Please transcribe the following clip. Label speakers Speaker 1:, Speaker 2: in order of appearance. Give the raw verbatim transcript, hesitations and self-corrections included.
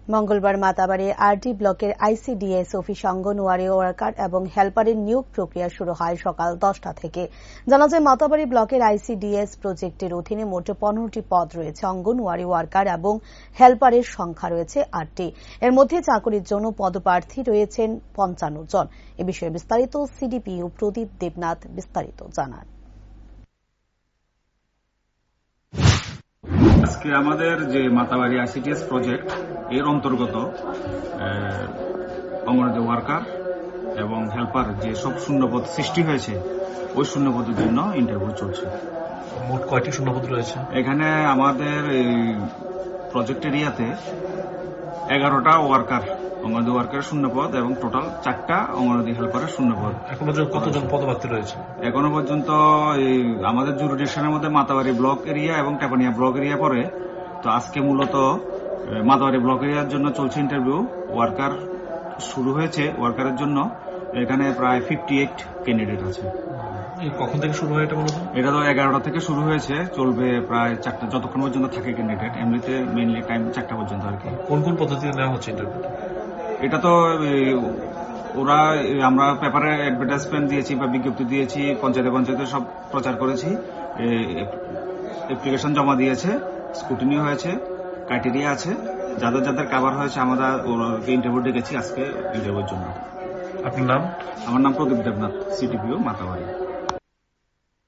Speaker 1: মঙ্গলবার মাতাবাড়ি আরডি ব্লকের ICDS office anganwadi worker এবং হেল্পারের নিয়োগ প্রক্রিয়া শুরু হয় সকাল দশটা থেকে। জানা যায়, মাতাবাড়ি ব্লকের আইসিডিএস প্রজেক্টের অধীনে মোট পনেরোটি পদ রয়েছে। অঙ্গনওয়াড়ি ওয়ার্কার এবং হেল্পারের সংখ্যা রয়েছে আটটি। এর মধ্যে চাকরির জন্য পদপ্রার্থী রয়েছেন পঞ্চান্ন জন। এ বিষয়ে বিস্তারিত সিডিপিও প্রদীপ দেবনাথ বিস্তারিত জানান।
Speaker 2: আজকে আমাদের যে মাতাবাড়ি আইসিডিএস প্রজেক্ট এর অন্তর্গত অঙ্গনওয়াড়ি ওয়ার্কার এবং হেল্পার যে সব শূন্যপদ সৃষ্টি হয়েছে ওই শূন্যপদের জন্য ইন্টারভিউ চলছে।
Speaker 3: মোট কয়টি শূন্যপদ রয়েছে?
Speaker 2: এখানে আমাদের এই প্রজেক্ট এরিয়াতে এগারোটা ওয়ার্কার অঙ্গনওয়াড়ি ওয়ার্কারের শূন্যপদ এবং টোটাল চারটা অঙ্গনওয়াড়ি হেল্পারের শূন্যপদ।
Speaker 3: এখন পর্যন্ত কতজন পদপ্রার্থী রয়েছে?
Speaker 2: এখনো পর্যন্ত আমাদের জুরিডিকশনের মধ্যে মাতাবাড়ি ব্লক এরিয়া এবং টেপানিয়া ব্লক এরিয়া পড়ে। তো আজকে মূলত মাতাবাড়ি ব্লক এরিয়ার জন্য চলছে ইন্টারভিউ। ওয়ার্কার শুরু হয়েছে ওয়ার্কারের জন্য। এখানে প্রায় ফিফটি এইট ক্যান্ডিডেট আছে।
Speaker 3: কখন থেকে শুরু হয় এটা? মূলত
Speaker 2: এটা তো এগারোটা থেকে শুরু হয়েছে, চলবে প্রায় চারটা, যতক্ষণ পর্যন্ত থাকে ক্যান্ডিডেট। এমনিতে মেইনলি টাইম চারটা পর্যন্ত আর কি।
Speaker 3: কোন কোন পদ্ধতিতে নেওয়া হচ্ছে ইন্টারভিউ?
Speaker 2: এটা তো ওরা আমরা পেপারে অ্যাডভার্টাইজমেন্ট দিয়েছি বা বিজ্ঞপ্তি দিয়েছি, পঞ্চায়েতে পঞ্চায়েতে সব প্রচার করেছি। অ্যাপ্লিকেশন জমা দিয়েছে, স্কুটিনি হয়েছে, ক্রাইটেরিয়া আছে। যাদের যাদের কভার হয়েছে আমরা ইন্টারভিউ ডেকেছি আজকে ইন্টারভিউর জন্য।
Speaker 3: আপনার নাম?
Speaker 2: আমার নাম প্রদীপ দেবনাথ, সিটিপিও মাতাবাড়ি।